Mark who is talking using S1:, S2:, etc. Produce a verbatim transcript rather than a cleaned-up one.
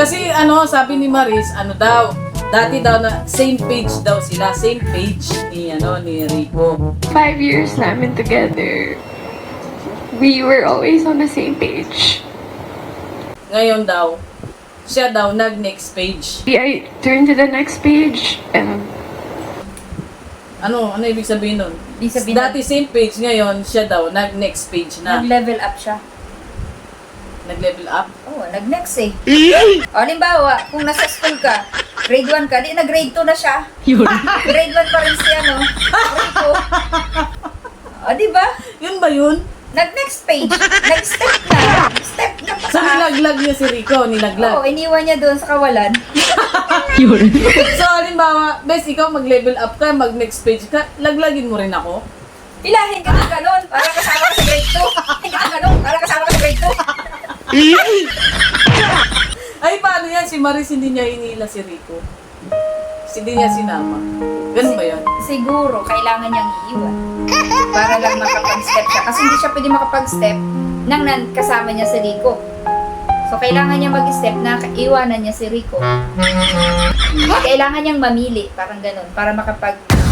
S1: Kasi ano, sabi ni Maris, ano daw, dati daw na same page daw sila, same page ni ano ni Rico.
S2: Five years namin together. We were always on the same page.
S1: Ngayon daw, siya daw nag-next page.
S2: I turned to the next page and
S1: Ano, ano ibig sabihin nun?
S3: Ibig sabihin
S1: Dati same page, ngayon siya daw nag-next page na.
S3: nag-level up siya.
S1: Nag-level up.
S3: Oo, nag-next eh. O, halimbawa, kung nasa school ka, grade one ka, di na grade two na siya. Grade one pa rin siya, no? Rico. O, di ba?
S1: Yun ba yun?
S3: Nag-next page. Nag-step na. Step na pa
S1: So nilaglag niya si Rico, nilaglag.
S3: Oo, iniwan niya doon sa kawalan.
S1: So halimbawa, bes, ikaw mag-level up ka, mag-next page ka, laglagin mo rin ako.
S3: Pilahin ka ng ganon, para kasama ka sa grade two. Pilahin ka ng ganon, para kasama ka sa grade two.
S1: Ay, paano yan? Si Maris hindi niya hinila si Rico. Hindi niya sinama. Ganun ba yan?
S3: Siguro, kailangan niyang iiwan. Para lang makapag-step siya. Kasi hindi siya pwede makapag-step nang nan kasama niya si Rico. So, kailangan niya mag-step na iwanan niya si Rico. Kailangan niyang mamili, parang ganun, para makapag